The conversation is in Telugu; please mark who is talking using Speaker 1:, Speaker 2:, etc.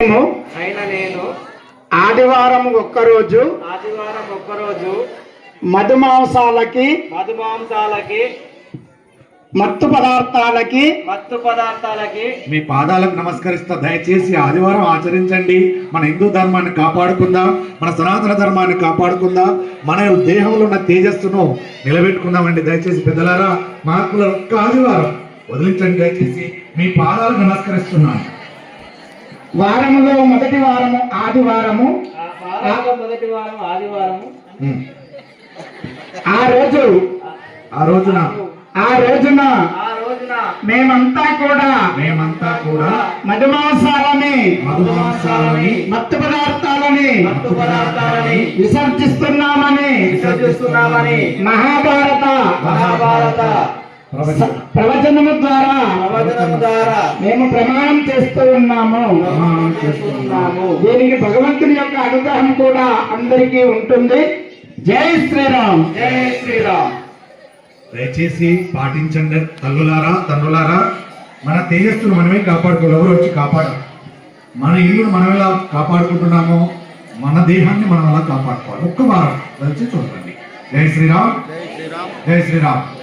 Speaker 1: నేను
Speaker 2: ఆదివారం ఒక్కరోజు మధుమాంసాలకి మత్తు పదార్థాలకి
Speaker 3: మీ పాదాలకు నమస్కరిస్తా. దయచేసి ఆదివారం ఆచరించండి. మన హిందూ ధర్మాన్ని కాపాడుకుందాం, మన సనాతన ధర్మాన్ని కాపాడుకుందాం, మన దేహంలో ఉన్న తేజస్సును నిలబెట్టుకుందామండి. దయచేసి పెద్దలారా, మహాత్ముల ఒక్క ఆదివారం వదిలించండి. దయచేసి మీ పాదాలకు నమస్కరిస్తున్నాను.
Speaker 2: వారములో మొదటి వారము ఆదివారము. ఆ రోజున మేమంతా కూడా మధుమాంసాలని మత్తు పదార్థాలని విసర్జిస్తున్నామని మహాభారత ప్రవచనము ద్వారా మేము ప్రమాణం చేస్తూ ఉన్నాము. దీనికి భగవంతుని యొక్క అనుగ్రహం కూడా అందరికీ ఉంటుంది. జై శ్రీరామ్.
Speaker 1: జై శ్రీరామ్.
Speaker 3: దయచేసి పాటించండి. తల్లులారా, మన తేజస్సును మనమే కాపాడుకోవాలి. ఎవరు వచ్చి కాపాడాలి? మన ఇల్లును మనం ఎలా కాపాడుకుంటున్నామో మన దేహాన్ని మనం అలా కాపాడుకోవాలి. ఒక్క వారం వచ్చి చూడండి. జై శ్రీరామ్. జై శ్రీరామ్.